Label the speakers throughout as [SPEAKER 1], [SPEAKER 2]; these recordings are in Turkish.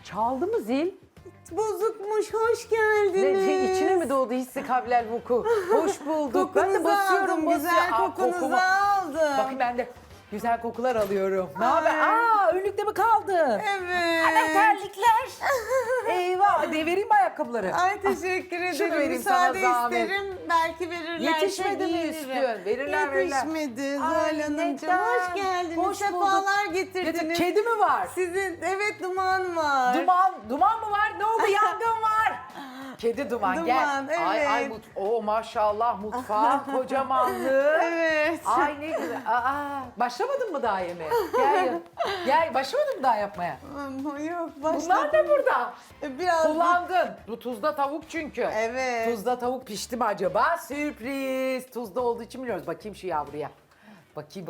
[SPEAKER 1] Çaldı mı zil?
[SPEAKER 2] Bozukmuş, hoş geldiniz.
[SPEAKER 1] İçine mi doğdu hissi kabilel vuku? Hoş bulduk. Ben de
[SPEAKER 2] Kokunuzu
[SPEAKER 1] basıyorum,
[SPEAKER 2] aldım,
[SPEAKER 1] basıyorum.
[SPEAKER 2] güzel
[SPEAKER 1] Aa,
[SPEAKER 2] kokunuzu
[SPEAKER 1] kokumu.
[SPEAKER 2] aldım.
[SPEAKER 1] Bakın ben de güzel kokular alıyorum. Ne haber?
[SPEAKER 2] Ay.
[SPEAKER 1] Önlükte mi kaldı?
[SPEAKER 2] Evet.
[SPEAKER 1] Ana terlikler. Eyvah, devireyim mi ayakkabıları?
[SPEAKER 2] Ay teşekkür ederim.
[SPEAKER 1] Şunu vereyim sana
[SPEAKER 2] Müsaade
[SPEAKER 1] zahmet.
[SPEAKER 2] isterim. Belki verirler.
[SPEAKER 1] Yetişmedi mi üstün? Verirler, verirler.
[SPEAKER 2] Yetişmedi
[SPEAKER 1] Ay,
[SPEAKER 2] Zuhal Hanımcığım.
[SPEAKER 1] neden?
[SPEAKER 2] Hoş geldiniz.
[SPEAKER 1] Hoş
[SPEAKER 2] Sefalar getirdiniz.
[SPEAKER 1] Kedi mi var?
[SPEAKER 2] Sizin, evet duman var.
[SPEAKER 1] Duman mı var? Ne oldu? Yangın var. Kedi duman, gel.
[SPEAKER 2] Duman,
[SPEAKER 1] Ay
[SPEAKER 2] evet.
[SPEAKER 1] maşallah mutfağı kocamanlığı.
[SPEAKER 2] Evet.
[SPEAKER 1] Ay ne güzel. Başlamadın mı daha yemeğe? Gel. Gel başlamadın mı daha yapmaya?
[SPEAKER 2] Yok başladım.
[SPEAKER 1] Bunlar ne burada?
[SPEAKER 2] Biraz
[SPEAKER 1] Kullandın. Bu tuzda tavuk çünkü.
[SPEAKER 2] Evet.
[SPEAKER 1] Tuzda tavuk pişti mi acaba? Sürpriz. Tuzda olduğu için biliyoruz. Bakayım şu yavruya. Bakayım.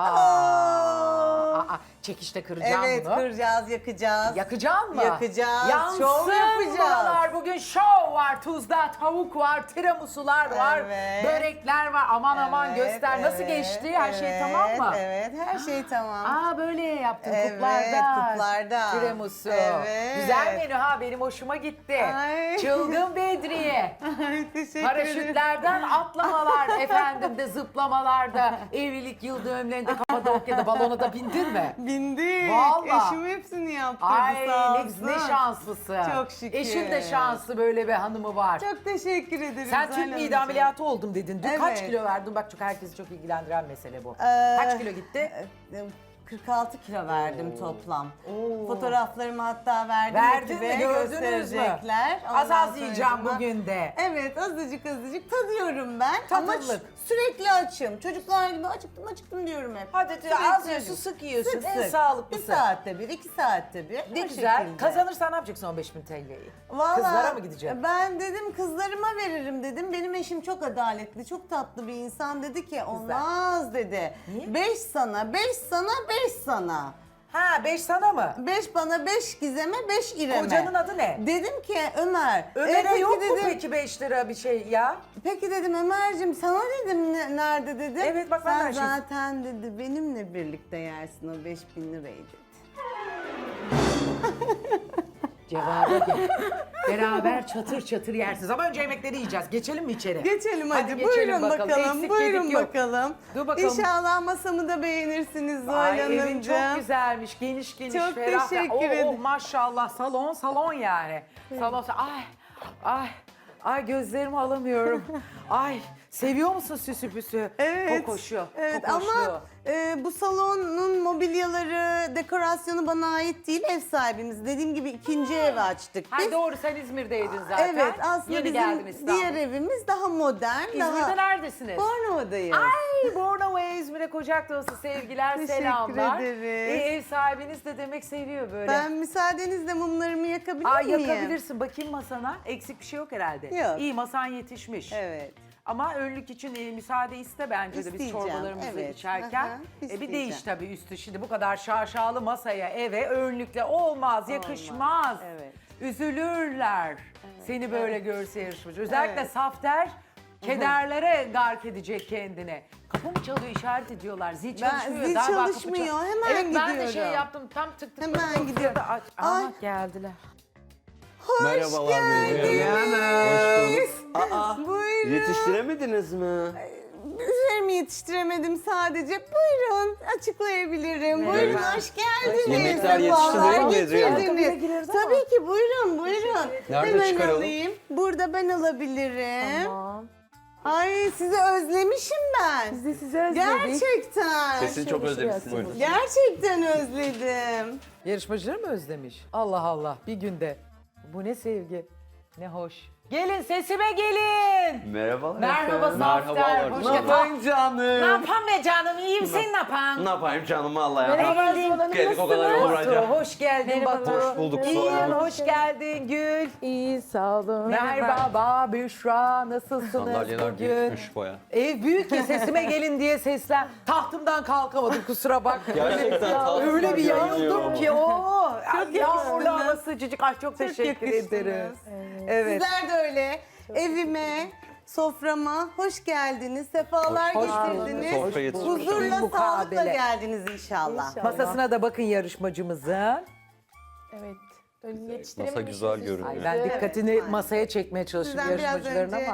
[SPEAKER 1] Çekişte kıracağım
[SPEAKER 2] Evet
[SPEAKER 1] bunu.
[SPEAKER 2] kıracağız, yakacağız.
[SPEAKER 1] Yakacağım mı?
[SPEAKER 2] Yakacağız,
[SPEAKER 1] Yansın
[SPEAKER 2] şov yapacağız.
[SPEAKER 1] buralar. Bugün şov var. Tuzda tavuk var, tiramisular var,
[SPEAKER 2] Evet.
[SPEAKER 1] börekler var. Aman
[SPEAKER 2] Evet,
[SPEAKER 1] göster. Nasıl geçti? Her şey tamam mı?
[SPEAKER 2] Evet, her şey tamam.
[SPEAKER 1] Böyle yaptın
[SPEAKER 2] Evet,
[SPEAKER 1] kuplarda.
[SPEAKER 2] kuplarda.
[SPEAKER 1] Tiramisu.
[SPEAKER 2] Evet.
[SPEAKER 1] Güzel menü ha, benim hoşuma gitti.
[SPEAKER 2] Ay.
[SPEAKER 1] Çılgın Bedriye.
[SPEAKER 2] Teşekkür ederim.
[SPEAKER 1] Paraşütlerden atlamalar, efendim de zıplamalar da, evlilik yıl dönümlerinde Kapadokya'da balona da bindin mi?
[SPEAKER 2] Bindik.
[SPEAKER 1] Vallahi.
[SPEAKER 2] Eşim hepsini yaptırdı
[SPEAKER 1] Ay
[SPEAKER 2] sağ
[SPEAKER 1] ne,
[SPEAKER 2] olsun.
[SPEAKER 1] ne şanslısın.
[SPEAKER 2] Çok şükür.
[SPEAKER 1] Eşin de şanslı, böyle bir hanımı var.
[SPEAKER 2] Çok teşekkür ederim.
[SPEAKER 1] Sen
[SPEAKER 2] Zuhal
[SPEAKER 1] tüp mide
[SPEAKER 2] Hanımcığım.
[SPEAKER 1] ameliyatı oldum dedin. Dün kaç
[SPEAKER 2] Evet.
[SPEAKER 1] kilo verdin? Bak çok herkesi çok ilgilendiren mesele bu.
[SPEAKER 2] Ee,
[SPEAKER 1] Kaç kilo gitti?
[SPEAKER 2] 46 kilo verdim toplam.
[SPEAKER 1] Oo.
[SPEAKER 2] Fotoğraflarımı hatta verdim.
[SPEAKER 1] Verdin
[SPEAKER 2] ekibe,
[SPEAKER 1] mi? Gördünüz mü?
[SPEAKER 2] gösterecekler.
[SPEAKER 1] Az
[SPEAKER 2] Ondan
[SPEAKER 1] az yiyeceğim
[SPEAKER 2] sonracığıma-
[SPEAKER 1] bugün de.
[SPEAKER 2] Evet azıcık tadıyorum ben. Ama
[SPEAKER 1] Tadımlık.
[SPEAKER 2] sürekli açım. Çocuklar gibi acıktım diyorum hep.
[SPEAKER 1] Hadi
[SPEAKER 2] Sürekli
[SPEAKER 1] az yiyorsun,
[SPEAKER 2] acım.
[SPEAKER 1] sık yiyorsun.
[SPEAKER 2] Sık
[SPEAKER 1] En
[SPEAKER 2] sık.
[SPEAKER 1] sağlıklısı.
[SPEAKER 2] 1 saatte bir, 2 saatte bir.
[SPEAKER 1] Ne
[SPEAKER 2] O
[SPEAKER 1] güzel.
[SPEAKER 2] şekilde.
[SPEAKER 1] Kazanırsan ne yapacaksın 15.000 TL'yi?
[SPEAKER 2] Vallahi
[SPEAKER 1] Kızlara mı gideceksin?
[SPEAKER 2] Ben dedim kızlarıma veririm dedim. Benim eşim çok adaletli, çok tatlı bir insan dedi ki olmaz dedi.
[SPEAKER 1] Niye?
[SPEAKER 2] 5 sana, 5 sana, 5 sana.
[SPEAKER 1] Ha 5 sana mı?
[SPEAKER 2] 5 bana, 5 Gizem'e, 5 İrem'e.
[SPEAKER 1] Kocanın adı ne?
[SPEAKER 2] Dedim ki Ömer.
[SPEAKER 1] Ömer'e
[SPEAKER 2] peki
[SPEAKER 1] yok mu
[SPEAKER 2] dedim,
[SPEAKER 1] peki 5 lira bir şey ya?
[SPEAKER 2] Peki dedim Ömer'cim sana dedim nerede dedim.
[SPEAKER 1] Evet, bak ben de
[SPEAKER 2] sen
[SPEAKER 1] her şeyi-
[SPEAKER 2] zaten dedi benimle birlikte yersin o 5.000 lirayı dedi.
[SPEAKER 1] Cevaba gel. Beraber çatır çatır yersiniz ama önce yemekleri yiyeceğiz. Geçelim mi içeri?
[SPEAKER 2] Geçelim hadi,
[SPEAKER 1] Hadi geçelim
[SPEAKER 2] buyurun bakalım,
[SPEAKER 1] Eksik
[SPEAKER 2] buyurun
[SPEAKER 1] yedik yok.
[SPEAKER 2] bakalım.
[SPEAKER 1] Dur bakalım.
[SPEAKER 2] İnşallah masamı da beğenirsiniz Zuhal
[SPEAKER 1] Ay
[SPEAKER 2] Hanımcığım.
[SPEAKER 1] evin çok güzelmiş, geniş
[SPEAKER 2] Çok
[SPEAKER 1] ferah.
[SPEAKER 2] teşekkür ederim.
[SPEAKER 1] Maşallah salon yani. Salon, ay gözlerimi alamıyorum. Ay seviyor musun süsü püsü?
[SPEAKER 2] Evet.
[SPEAKER 1] Kokoşu,
[SPEAKER 2] Evet
[SPEAKER 1] kokoşlu.
[SPEAKER 2] ama bu salonun mobilyaları, dekorasyonu bana ait değil, ev sahibimiz. Dediğim gibi ikinci ev açtık
[SPEAKER 1] Ha
[SPEAKER 2] biz.
[SPEAKER 1] doğru, sen İzmir'deydin zaten.
[SPEAKER 2] Evet aslında
[SPEAKER 1] Yeni geldin
[SPEAKER 2] bizim
[SPEAKER 1] İstanbul'a.
[SPEAKER 2] diğer evimiz daha modern.
[SPEAKER 1] İzmir'de neredesiniz?
[SPEAKER 2] Bornova'dayız.
[SPEAKER 1] Ay Bornova'ya, İzmir'e kucak dolusu sevgiler,
[SPEAKER 2] Teşekkür
[SPEAKER 1] selamlar.
[SPEAKER 2] ederiz.
[SPEAKER 1] Ev sahibiniz de demek seviyor böyle.
[SPEAKER 2] Ben müsaadenizle mumlarımı yakabilir miyim?
[SPEAKER 1] Yakabilirsin. Bakayım masana. Eksik bir şey yok herhalde.
[SPEAKER 2] Yok.
[SPEAKER 1] İyi, masan yetişmiş.
[SPEAKER 2] Evet.
[SPEAKER 1] Ama önlük için müsaade iste bence de biz
[SPEAKER 2] İsteyeceğim,
[SPEAKER 1] çorbalarımızı
[SPEAKER 2] evet.
[SPEAKER 1] içerken.
[SPEAKER 2] Aha,
[SPEAKER 1] Bir
[SPEAKER 2] isteyeceğim.
[SPEAKER 1] değiş tabii üstü. Şimdi bu kadar şaşalı masaya, eve önlükle olmaz, yakışmaz.
[SPEAKER 2] Evet.
[SPEAKER 1] Üzülürler. Seni böyle görse yarışmacı. Özellikle
[SPEAKER 2] Evet.
[SPEAKER 1] safter kederlere gark edecek kendine. Kapı mı çalıyor, işaret ediyorlar. Zil çalışmıyor.
[SPEAKER 2] zil
[SPEAKER 1] Galiba kapı
[SPEAKER 2] çalışmıyor,
[SPEAKER 1] çal-
[SPEAKER 2] hemen
[SPEAKER 1] evet, ben de
[SPEAKER 2] gidiyorum.
[SPEAKER 1] şey yaptım, tam tık tık.
[SPEAKER 2] Hemen
[SPEAKER 1] tık,
[SPEAKER 2] gidiyorum.
[SPEAKER 1] tık, aç.
[SPEAKER 2] Ay.
[SPEAKER 1] Aha, geldiler.
[SPEAKER 2] Hoş
[SPEAKER 3] Merhabalar
[SPEAKER 2] geldiniz.
[SPEAKER 3] Hoş bulduk.
[SPEAKER 2] Buyurun.
[SPEAKER 3] Yetiştiremediniz mi?
[SPEAKER 2] Üzerimi yetiştiremedim sadece. Buyurun açıklayabilirim.
[SPEAKER 3] Merhaba.
[SPEAKER 2] Buyurun hoş geldiniz.
[SPEAKER 3] Yemekler
[SPEAKER 2] Sefalar
[SPEAKER 3] yetişti değil mi Bedriye Hanım?
[SPEAKER 2] getirdiniz. Tabii ki buyurun.
[SPEAKER 3] Nerede
[SPEAKER 2] Hemen
[SPEAKER 3] çıkaralım?
[SPEAKER 2] alayım. Burada ben alabilirim. Tamam. Ay sizi özlemişim ben.
[SPEAKER 1] Biz de sizi özledik.
[SPEAKER 2] Gerçekten.
[SPEAKER 3] Sesini çok özlemişsiniz.
[SPEAKER 2] Gerçekten özledim.
[SPEAKER 1] Yarışmacıları mı özlemiş? Allah Allah, bir günde. Bu ne sevgi, ne hoş. Gelin, sesime gelin.
[SPEAKER 3] Merhabalar
[SPEAKER 1] Merhaba
[SPEAKER 3] efendim.
[SPEAKER 1] Safter,
[SPEAKER 3] Merhabalar.
[SPEAKER 1] hoş
[SPEAKER 3] Ne
[SPEAKER 1] geldin.
[SPEAKER 3] yapayım canım?
[SPEAKER 1] Ne yapan be canım, iyiyim, sen ne yapan?
[SPEAKER 3] Ne yapayım canım vallahi ya.
[SPEAKER 1] Geldik
[SPEAKER 3] o kadar yol
[SPEAKER 1] Batu,
[SPEAKER 3] buraya.
[SPEAKER 1] hoş geldin Batu.
[SPEAKER 3] Hoş bulduk,
[SPEAKER 1] İyiyim,
[SPEAKER 3] Zuhal Hanım.
[SPEAKER 1] hoş geldin Gül.
[SPEAKER 4] İyi sağ olun.
[SPEAKER 1] Merhaba Büşra, nasılsınız
[SPEAKER 3] Sandalyeler
[SPEAKER 1] bugün?
[SPEAKER 3] büyükmüş baya.
[SPEAKER 1] Ev büyük ya, sesime gelin diye seslen. Tahtımdan kalkamadım, kusura bakma.
[SPEAKER 3] Gerçekten tahtımdan
[SPEAKER 1] Öyle bir
[SPEAKER 3] gelmiyor
[SPEAKER 1] yayıldım
[SPEAKER 3] ama.
[SPEAKER 1] ki o. Yağmurlu
[SPEAKER 2] yakıştınız.
[SPEAKER 1] hava sıcacık. Ay çok teşekkür
[SPEAKER 2] yakıştınız.
[SPEAKER 1] ederim. Evet.
[SPEAKER 2] Sizler de öyle. Evime, soframa hoş geldiniz. Sefalar
[SPEAKER 3] Hoş
[SPEAKER 2] getirdiniz.
[SPEAKER 3] Sofra yetişmiş.
[SPEAKER 2] Huzurla,
[SPEAKER 1] Mukabele.
[SPEAKER 2] sağlıkla geldiniz inşallah.
[SPEAKER 4] İnşallah.
[SPEAKER 1] Masasına da bakın yarışmacımızın.
[SPEAKER 4] Evet. Masa güzel görünüyor.
[SPEAKER 1] Ay, ben dikkatini
[SPEAKER 2] Evet.
[SPEAKER 1] masaya çekmeye çalışıyorum
[SPEAKER 2] Sizden biraz
[SPEAKER 1] yarışmacıların
[SPEAKER 2] önce
[SPEAKER 1] ama.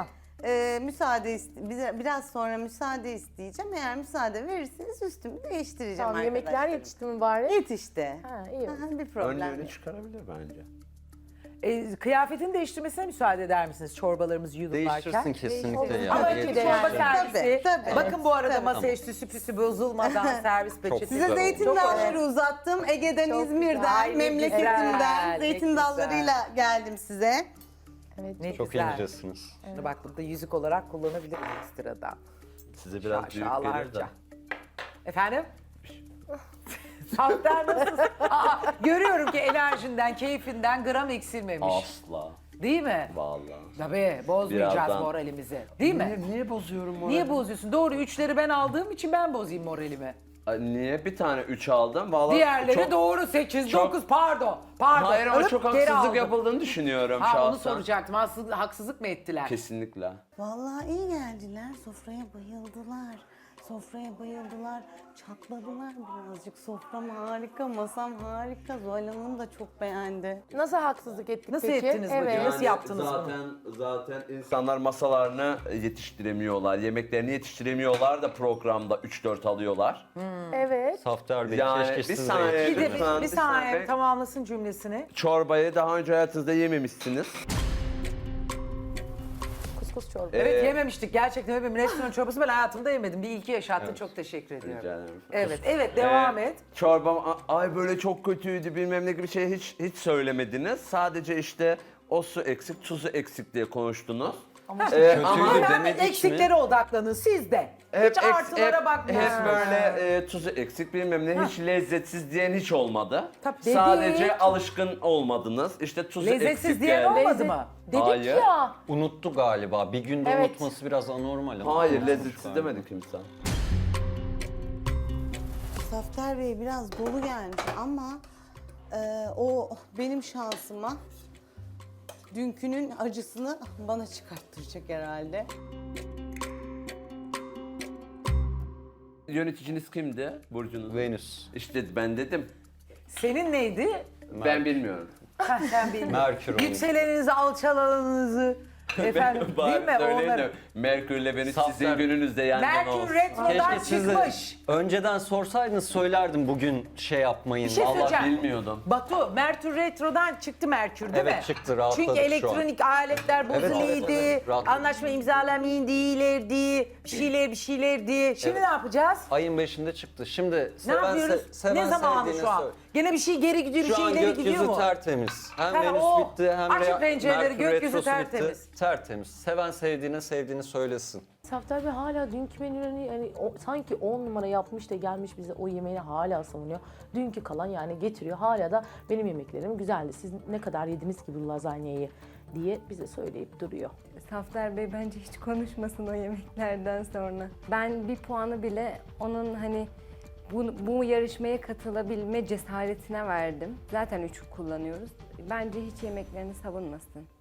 [SPEAKER 2] biraz sonra müsaade isteyeceğim. Eğer müsaade verirseniz üstümü değiştireceğim
[SPEAKER 5] Tamam, yemekler
[SPEAKER 2] arkadaşlarım.
[SPEAKER 5] yetişti mi bari?
[SPEAKER 2] Yetişti.
[SPEAKER 5] Ha, iyi.
[SPEAKER 2] Aha, bir problem
[SPEAKER 3] Önlüğünü
[SPEAKER 2] yok.
[SPEAKER 3] çıkarabilir bence.
[SPEAKER 1] Kıyafetini değiştirmesine müsaade eder misiniz çorbalarımızı yudumlarken?
[SPEAKER 4] Değiştirsin kesinlikle ya.
[SPEAKER 1] Ama
[SPEAKER 5] Tabii
[SPEAKER 1] önce
[SPEAKER 5] ki
[SPEAKER 1] bir
[SPEAKER 5] de
[SPEAKER 1] çorba
[SPEAKER 5] yani.
[SPEAKER 1] servisi.
[SPEAKER 2] Tabii.
[SPEAKER 1] Bakın bu arada
[SPEAKER 2] Tabii.
[SPEAKER 1] masaya süsü püsü bozulmadan servis peçetesi.
[SPEAKER 2] Size
[SPEAKER 4] güzel
[SPEAKER 2] zeytin
[SPEAKER 4] oldu.
[SPEAKER 2] dalları uzattım. Ege'den,
[SPEAKER 5] Çok
[SPEAKER 2] İzmir'den,
[SPEAKER 1] güzel. Ay, ne
[SPEAKER 2] memleketimden
[SPEAKER 1] güzel, ne
[SPEAKER 2] zeytin
[SPEAKER 1] güzel.
[SPEAKER 2] dallarıyla geldim size.
[SPEAKER 5] Evet.
[SPEAKER 1] Ne
[SPEAKER 4] Çok
[SPEAKER 1] güzel.
[SPEAKER 4] incesiniz.
[SPEAKER 1] Bak burada yüzük olarak kullanabilirim ekstradan.
[SPEAKER 3] Size biraz büyük gelir de.
[SPEAKER 1] Şaşalarca. Efendim? Safter nasılsın? Aa, görüyorum ki enerjinden, keyfinden gram eksilmemiş.
[SPEAKER 3] Asla.
[SPEAKER 1] Değil mi?
[SPEAKER 3] Vallahi.
[SPEAKER 1] Tabii bozmayacağız
[SPEAKER 3] Birazdan.
[SPEAKER 1] moralimizi. Değil mi?
[SPEAKER 3] Niye bozuyorum morali?
[SPEAKER 1] Niye bozuyorsun? Doğru üçleri ben aldığım için ben bozayım moralimi.
[SPEAKER 3] Ay, niye bir tane 3 aldım? Vallahi
[SPEAKER 1] Diğerleri
[SPEAKER 3] çok...
[SPEAKER 1] doğru 8,
[SPEAKER 3] çok-
[SPEAKER 1] 9 pardon. Pardon.
[SPEAKER 3] Hayır ama
[SPEAKER 1] Alıp
[SPEAKER 3] çok
[SPEAKER 1] geri
[SPEAKER 3] haksızlık
[SPEAKER 1] aldım.
[SPEAKER 3] yapıldığını düşünüyorum
[SPEAKER 1] Ha
[SPEAKER 3] şahsen.
[SPEAKER 1] onu soracaktım. Haksızlık mı ettiler?
[SPEAKER 3] Kesinlikle.
[SPEAKER 2] Vallahi iyi geldiler. Sofraya bayıldılar. Sofraya bayıldılar. Çatladılar birazcık. Sofram harika, masam harika. Zuhal Hanım da çok beğendi.
[SPEAKER 5] Nasıl haksızlık ettik
[SPEAKER 1] Nasıl
[SPEAKER 5] peki?
[SPEAKER 1] ettiniz bacım?
[SPEAKER 5] Evet.
[SPEAKER 1] Nasıl yaptınız
[SPEAKER 3] zaten insanlar masalarını yetiştiremiyorlar. Yemeklerini yetiştiremiyorlar da programda 3-4 alıyorlar.
[SPEAKER 5] Evet.
[SPEAKER 4] Safter Bey
[SPEAKER 3] Yani
[SPEAKER 4] keşke
[SPEAKER 3] bir
[SPEAKER 4] siz
[SPEAKER 3] saniye,
[SPEAKER 4] de
[SPEAKER 1] Bir de
[SPEAKER 3] lütfen,
[SPEAKER 1] bir
[SPEAKER 3] bir
[SPEAKER 1] saniye
[SPEAKER 3] saniye.
[SPEAKER 1] tamamlasın cümlesini.
[SPEAKER 3] Çorbayı daha önce hayatınızda yememişsiniz.
[SPEAKER 5] Kuskus çorba.
[SPEAKER 1] Evet yememiştik gerçekten öyle bir restoran çorbası ben hayatımda yemedim. Bir ilki yaşattın çok teşekkür ediyorum.
[SPEAKER 3] Rica ederim.
[SPEAKER 1] Evet devam et.
[SPEAKER 3] Çorbam ay böyle çok kötüydü bilmem ne gibi şey hiç söylemediniz. Sadece işte o su eksik, tuzu eksik diye konuştunuz.
[SPEAKER 4] kötüydü
[SPEAKER 1] Ama
[SPEAKER 4] demedik mi?
[SPEAKER 1] eksiklere odaklanın siz de. Hiç artılara bakmayın.
[SPEAKER 3] Hep böyle tuzu eksik bilmem ne hiç lezzetsiz diyen hiç olmadı.
[SPEAKER 1] Tabii.
[SPEAKER 3] Sadece
[SPEAKER 1] Dedik.
[SPEAKER 3] alışkın olmadınız. İşte tuzu
[SPEAKER 1] Lezzetsiz
[SPEAKER 3] eksik
[SPEAKER 1] diyen
[SPEAKER 3] geldi.
[SPEAKER 1] olmadı mı?
[SPEAKER 5] Dedik
[SPEAKER 3] Hayır.
[SPEAKER 5] ya.
[SPEAKER 4] Unuttu galiba. Bir günde
[SPEAKER 5] Evet.
[SPEAKER 4] unutması biraz anormal ama.
[SPEAKER 3] Hayır
[SPEAKER 4] Unutmuş
[SPEAKER 3] lezzetsiz
[SPEAKER 4] galiba.
[SPEAKER 3] demedi kimse.
[SPEAKER 2] Safter Bey biraz dolu gelmiş ama o benim şansıma dünkünün acısını bana çıkarttıracak herhalde.
[SPEAKER 3] Yöneticiniz kimdi Burcu'nun?
[SPEAKER 4] Venüs.
[SPEAKER 3] İşte ben dedim.
[SPEAKER 1] Senin neydi?
[SPEAKER 3] Ben bilmiyorum.
[SPEAKER 1] Ha, sen bilmiyorsun.
[SPEAKER 4] Merkür onun.
[SPEAKER 1] Yükseleninizi, alçalanınızı. Efendim değil mi
[SPEAKER 3] Söyleyin de
[SPEAKER 1] onları?
[SPEAKER 3] Merkür'le Venüs
[SPEAKER 4] Safter-
[SPEAKER 3] sizin gününüzde yan yana
[SPEAKER 1] Merkür
[SPEAKER 3] olsun.
[SPEAKER 1] retrodan
[SPEAKER 4] Keşke siz de
[SPEAKER 1] çıkmış.
[SPEAKER 4] önceden sorsaydınız söylerdim bugün şey yapmayın.
[SPEAKER 1] Bir şey
[SPEAKER 3] Allah
[SPEAKER 1] söyleyeceğim.
[SPEAKER 3] bilmiyordum.
[SPEAKER 1] Batu, Merkür retrodan çıktı Merkür değil mi?
[SPEAKER 4] Evet, çıktı, rahatladık
[SPEAKER 1] Çünkü
[SPEAKER 4] şu an.
[SPEAKER 1] elektronik aletler
[SPEAKER 4] Evet,
[SPEAKER 1] bozuluydu,
[SPEAKER 4] evet, rahatladık.
[SPEAKER 1] anlaşma imzalamayın değillerdi, bir şeylerdi. Şimdi ne yapacağız?
[SPEAKER 4] Ayın 5'inde çıktı. Şimdi
[SPEAKER 1] Ne yapıyoruz? Ne zamanı şu an? Gene bir şey geri gidiyor, bir
[SPEAKER 4] Şu
[SPEAKER 1] şey
[SPEAKER 4] an
[SPEAKER 1] ileri gidiyor
[SPEAKER 4] gökyüzü
[SPEAKER 1] mu?
[SPEAKER 4] tertemiz. Hem
[SPEAKER 1] Ha,
[SPEAKER 4] Venüs
[SPEAKER 1] o.
[SPEAKER 4] bitti hem
[SPEAKER 1] Açın pencereleri,
[SPEAKER 4] Merkür
[SPEAKER 1] gökyüzü
[SPEAKER 4] retrosu
[SPEAKER 1] tertemiz.
[SPEAKER 4] bitti. Tertemiz. Seven sevdiğini söylesin.
[SPEAKER 5] Safter Bey hala dünkü menülerini yani sanki 10 numara yapmış da gelmiş bize o yemeğini hala savunuyor. Dünkü kalan yani getiriyor. Hala da benim yemeklerim güzeldi. Siz ne kadar yediniz ki bu lazanyayı diye bize söyleyip duruyor.
[SPEAKER 6] Safter Bey bence hiç konuşmasın o yemeklerden sonra. Ben bir puanı bile onun hani bu yarışmaya katılabilme cesaretine verdim. Zaten 3 kullanıyoruz. Bence hiç yemeklerini savunmasın.